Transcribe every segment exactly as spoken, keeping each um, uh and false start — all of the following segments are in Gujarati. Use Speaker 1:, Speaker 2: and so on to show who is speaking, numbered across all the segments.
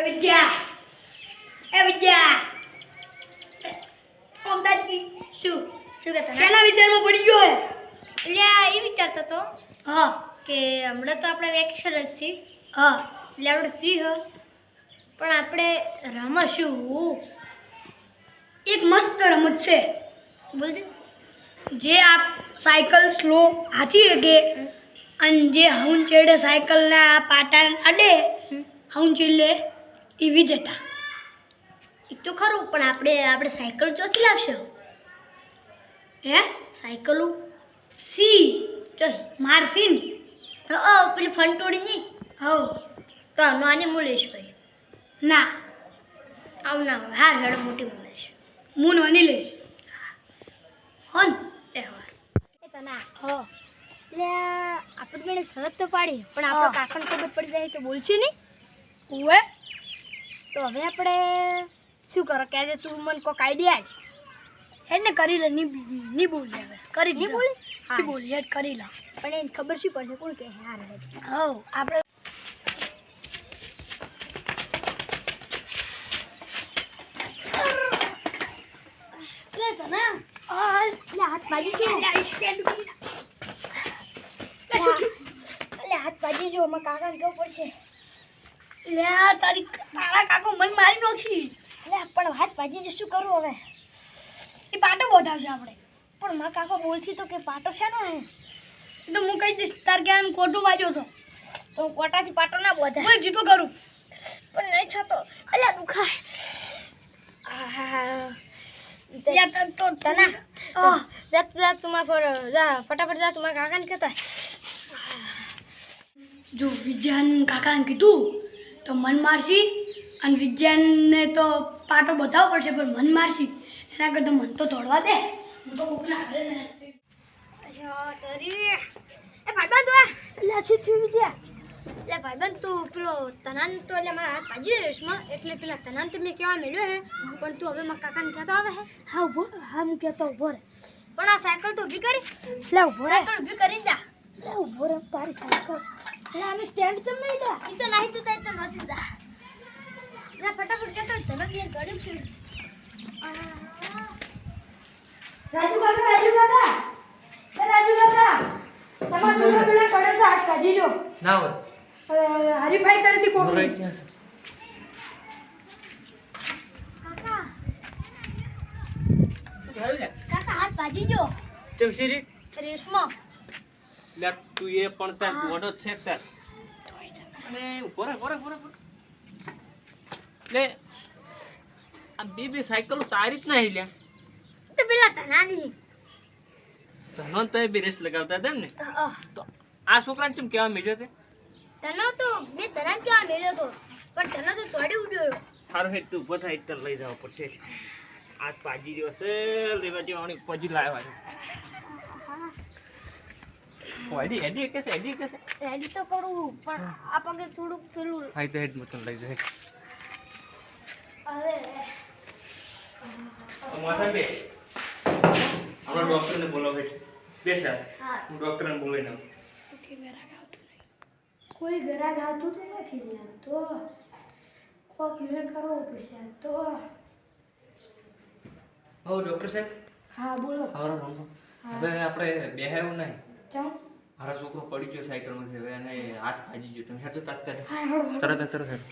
Speaker 1: એ વિદ્યા એ વિદ્યા ઓમદાજી શું
Speaker 2: શું કહેતા
Speaker 1: શેના વિચારમાં પડી ગયો હે?
Speaker 2: એટલે આ એ વિચારતો તો
Speaker 1: હા
Speaker 2: કે હમણાં તો આપણે વેકેશન જ છીએ
Speaker 1: હા
Speaker 2: એટલે આપણે ફ્રી હો પણ આપણે રમશું
Speaker 1: એક મસ્ત રમત છે
Speaker 2: બોલ દે
Speaker 1: જે આપ સાયકલ સ્લો હાથી શકે અને જે હઉન ચેડે સાયકલના પાટા અડે હઉન ચીલે ટીવી જતા
Speaker 2: એ તો ખરું પણ આપણે આપણે સાયકલ ચોથી લાવશો
Speaker 1: હે
Speaker 2: સાયકલો
Speaker 1: સી
Speaker 2: જો
Speaker 1: મારસીન
Speaker 2: ઓ પેલી ફંટોડી નહીં
Speaker 1: હવ
Speaker 2: તો નાની મુલેશ ભાઈ
Speaker 1: ના
Speaker 2: આવ ના હોય હાર હેડ મોટી મુલેશ
Speaker 1: હું નોની લઈશ હોન
Speaker 2: તહેવાર એ તના
Speaker 1: હો
Speaker 2: એટલે આપણે મેળે શરત તો પાડી પણ આપણો
Speaker 1: હા.
Speaker 2: કાકાને ખબર પડી જાય તો બોલશે નહીં
Speaker 1: ઓએ
Speaker 2: તો હવે આપણે શું કરો કે આજે તું મને કોઈક આઈડિયા
Speaker 1: હેડ ને કરી લે ની ની બોલી હવે કરી
Speaker 2: નહીં
Speaker 1: દીધો.
Speaker 2: બોલી
Speaker 1: ની
Speaker 2: હા
Speaker 1: બોલી હેડ કરી લા
Speaker 2: પણ એને ખબર શું પડશે કોણ કે હાર હેડ
Speaker 1: હવ આપણે
Speaker 2: લે તના આ લે હાથ બાજી છે લે હાથ બાજી જો મારા કાકાને કેવું પડશે
Speaker 1: લે આ તારી તારા કાકો મન મારી નાખી
Speaker 2: લે પણ હાથ બાજી જો શું કરું હવે
Speaker 1: એ પાટો બોધાવશે આપણે
Speaker 2: પણ મારા કાકો બોલશે તો કે પાટો શાનો હે
Speaker 1: તો હું કહી દઈશ તાર ક્યાં ખોટું વાગ્યો તો
Speaker 2: તો હું કોટાથી પાટો ના બોધા
Speaker 1: હું જીતો કરું
Speaker 2: પણ નહીં થતો અલ્યા દુખાય આહા
Speaker 1: યા તન તો
Speaker 2: તના
Speaker 1: આહ.
Speaker 2: જા તું જા તું મારા પર જા ફટાફટ જા તું મારા કાકાને કહેતા
Speaker 1: જો વિજ્ઞાન કાકાને કીધું તો મન મારશી અને વિજ્ઞાનને તો પાટો બતાવવો પડશે પણ મન મારશી એના કરતાં મન તો દોડવા દે હું તો કોકના ઘરે જ નથી.
Speaker 2: અચ્છા તરી એ ભાઈબંધ તું
Speaker 1: લે શું થયું વિજ્ઞા
Speaker 2: એટલે ભાઈબંધ તું પેલો તનાન તો એટલે મારા હાથ બાજી રેસમાં એટલે પેલા તનાન તો મેં કહેવા મળ્યો હે પણ તું હવે મારા કાકાને કહેતો આવે હે
Speaker 1: હા ઉભો હા હું કહેતો ઉભો રે
Speaker 2: પણ આ સાયકલ તો ઊભી કરી
Speaker 1: લે ઉભો રે
Speaker 2: સાયકલ ઊભી કરીને જા
Speaker 1: લે ઉભો રે તારી સાયકલ લે આનું સ્ટેન્ડ ચમ નહીં લે
Speaker 2: ઈ તો નહીં તું તાઈ તો નસી જા જા ફટાફટ કહેતો તને બી ગળ્યું છે
Speaker 1: રાજુ કાકા રાજુ કાકા એ રાજુ કાકા તમારા છોકરા પેલા પડે છે હાથ કાઢી જો
Speaker 3: ના હોય
Speaker 1: અ, હરીફાઈ તરફથી કોક
Speaker 3: રહી ગયા છે.
Speaker 2: કાકા
Speaker 3: શું થયું લે?
Speaker 2: કાકા હાથ બાજી જો
Speaker 3: કેમ શીરી?
Speaker 2: રેસમાં
Speaker 3: લે તું એ પણ તાર મોઢો જ છે તાર. અને ઊભો રહે, ઊભો રહે, ઊભો રહે, ઊભો રહે. લે આ બે બે સાયકલો તારી જ નહીં લ્યા.
Speaker 2: તો પેલા તનાની
Speaker 3: તનો તો એ બે રેસ લગાવતા હતા એમ ને
Speaker 2: અહ,
Speaker 3: તો આ છોકરાને ચમ કહેવા મેળ્યો તે
Speaker 2: તનો તો મેં તનાન કેવા મેળ્યો તો પણ તને તો તોડી ઉડ્યો
Speaker 3: સારું હેઠ તું ઊભો થાય તને લઈ જવા પડશે આજ પાજી રહ્યો છે લેવા જેવાની પજી લાવ્યા છે એડી એડી કે છે એડી કે છે
Speaker 2: રેડી તો કરું પણ આ પગે થોડુંક પેલું
Speaker 3: હા તો હેડ મતલબ લઈ જાય
Speaker 2: હવે
Speaker 3: મોસમ બે હમણાં ડોક્ટરને બોલાવો હેઠ બે સાહેબ
Speaker 2: હા
Speaker 3: હું ડોક્ટરને બોલાવી નાખું
Speaker 1: કોઈ ગ્રાહક આવતું તો નથી યાર તો કોક મેળ કરવો પડશે આ તો
Speaker 3: હો ડોક્ટર સાહેબ
Speaker 1: હા બોલો
Speaker 3: હારો રમો હવે આપણે બેહાયું નહીં
Speaker 1: ચમ
Speaker 3: મારો છોકરો પડી ગયો સાયકલમાંથી હવે એને હાથ ભાજી ગયો તમે હેઠો તાત્કાલિક
Speaker 1: હા હળો હળો.
Speaker 3: તરત જ તરત હેઠ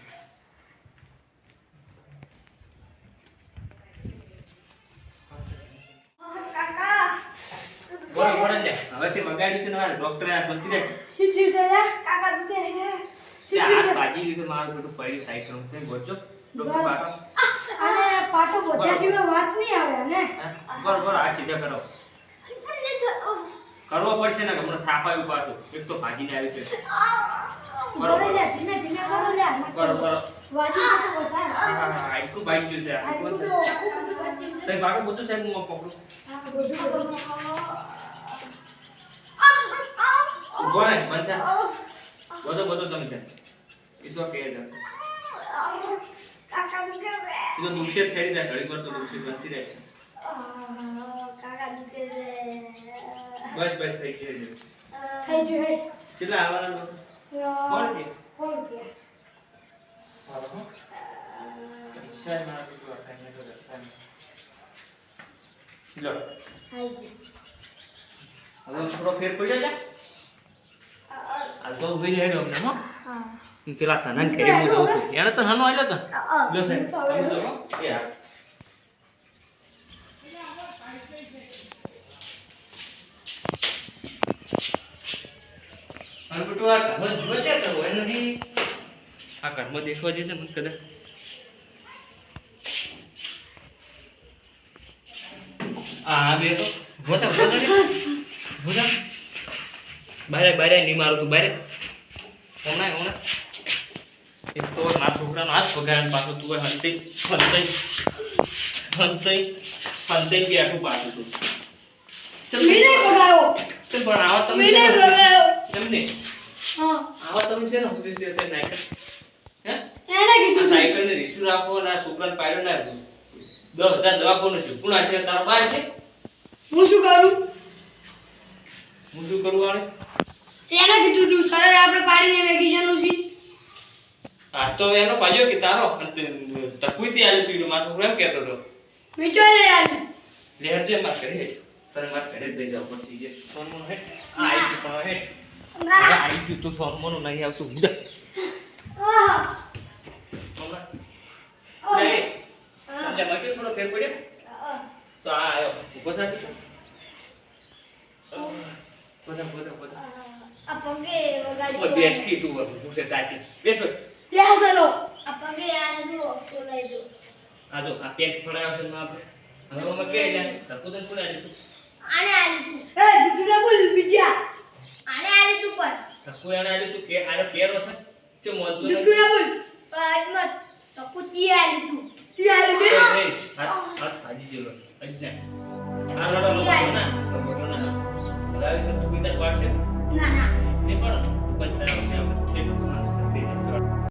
Speaker 2: કાકા
Speaker 3: બોલો બોલો લે હવેથી વગાડ્યું છે ને મારે ડોક્ટરે આ શોધી રહેશે
Speaker 1: શું થયું છે લે?
Speaker 2: કાકા દુખે હે
Speaker 1: શું
Speaker 3: હાથ
Speaker 1: થયું છે?
Speaker 3: ભાજી ગયું છે મારું બેટું પડ્યું સાયકલમાંથી ગોચો ડોક્ટર બાટો
Speaker 1: અને પાટો બોધ્યા સિવાય વાત નહીં આવે ને
Speaker 3: બરો બરો આ સીધા કરો
Speaker 2: પણ નહીં થતો
Speaker 3: કરવો પડશે ને હમણાં થાપાયું પાછું એક તો ભાગીને આવ્યું છે
Speaker 1: બોલે લે ધીમે ધીમે કરો લે
Speaker 3: કરો કરો
Speaker 1: વાજી તો બોધા
Speaker 3: હા હા હા આટલું બાઈક ગયું છે
Speaker 1: આ
Speaker 3: આટલું
Speaker 1: બધું
Speaker 3: બધું.
Speaker 1: આખું બધું વાજી છે.
Speaker 3: તઈ બાટો બધું સાહેબ હું પકડું
Speaker 1: હા બધું બધું
Speaker 3: ઉભો રહે બંધ થા બધો બધો તમે ત્યાં ઈશ્વર કહે છે
Speaker 2: કાકા દુખે છે
Speaker 3: એ તો દુખશે જ થઈ જાય ઘડી વાર તો દુખશે બનતી રહે
Speaker 2: કાકા દુખે છે
Speaker 3: બસ બસ થઈ ગયું છે
Speaker 1: થઈ ગયું હે
Speaker 3: કેટલા આવવાના લોકો
Speaker 1: યા,
Speaker 3: કોણ કે
Speaker 1: કોણ કે
Speaker 3: હાલો હો. સાહેબ મારા બેટું આ કાંઈ નથી કરતા. લો
Speaker 2: હાજી
Speaker 3: હવે થોડો ફેર પડ્યો છે આ તો ઉભી રહેજો અમને હો
Speaker 2: હા
Speaker 3: પેલા તનન ખેડી હું જાઉં છું એને તો હાનો આલ્યો તો લો સાહેબ તમે જો હો એ હા અને બેટું આ ઘરમાં જુએ છે તો હોય નથી આ ઘરમાં દેખવા જશે મને કદાચ આ બે તો ભોતા ભોતા ભોતા બારે બારે નહીં મારું તું બારે હમણાં હમણાં એક તો મારા છોકરાનો હાથ પગાર પાછો તું હંતી હંતી હંતી હંતી બેઠું પાછું તું ચલ
Speaker 1: મેને બગાયો
Speaker 3: ચલ પણ આવા તમે
Speaker 1: મેને બગાયો
Speaker 3: તમને
Speaker 1: હા
Speaker 3: આવા તમે છે ને સુધી છે તે નાખે હે
Speaker 1: એને કીધું છે.
Speaker 3: સાયકલ ને રીસુ રાખો ના છોકરાને પાડ્યો ના દસ હજાર દવાખાનું છે કોણ છે તારા બાર છે
Speaker 1: હું શું કરું
Speaker 3: હું શું કરું આને
Speaker 1: એને કીધું તું સર આપણે પાડીને વેકેશનનું છે
Speaker 3: આ તો એનો પાડ્યો કે તારો તકુઈથી આવ્યો તું મારો છોકરો એમ કહેતો હતો
Speaker 1: વિચારે યાર
Speaker 3: લેર જે માર કરે તને માર ઘરે જ દઈ જાવ પછી જે સોનમોન હે આ આઈ ગયું પણ હે હવે આઈ ગયું તો સોનમોન નહીં આવતું બુડા
Speaker 1: આહ
Speaker 3: હમણાં નહીં સમજા માટે થોડો ફેર પડ્યો તો આ આવ્યો ઉભો થા બધા બધા બધા
Speaker 2: આ પગે વગાડી
Speaker 3: ઓ બેસકી તું પૂછે તાકી બેસો
Speaker 1: લે ચલો
Speaker 2: આ પગે આને જો બોલાઈ જો
Speaker 3: આ જો આ પેન્ટ ફળાયો છે માં આપણે હવે અમે કે જાય તકુદન કોણ આવી તું
Speaker 2: આને આલી તું
Speaker 1: એ તું ના બોલ બીજા
Speaker 2: આને આલી તું પણ
Speaker 3: તકુ એને આવી તું કે આને પેરો છે કે મોદતો
Speaker 1: તું
Speaker 3: નહીં
Speaker 1: ના બોલ
Speaker 2: પણ તો પૂછી આલી તું
Speaker 1: તું આલે બે
Speaker 3: નહીં હાથ હાથ ભાજી જેલો છે અજ્ઞા આ રડો રડો ના રડો ના લાવી છે તું બીજા પાડશે
Speaker 2: ના ના
Speaker 3: નહીં પણ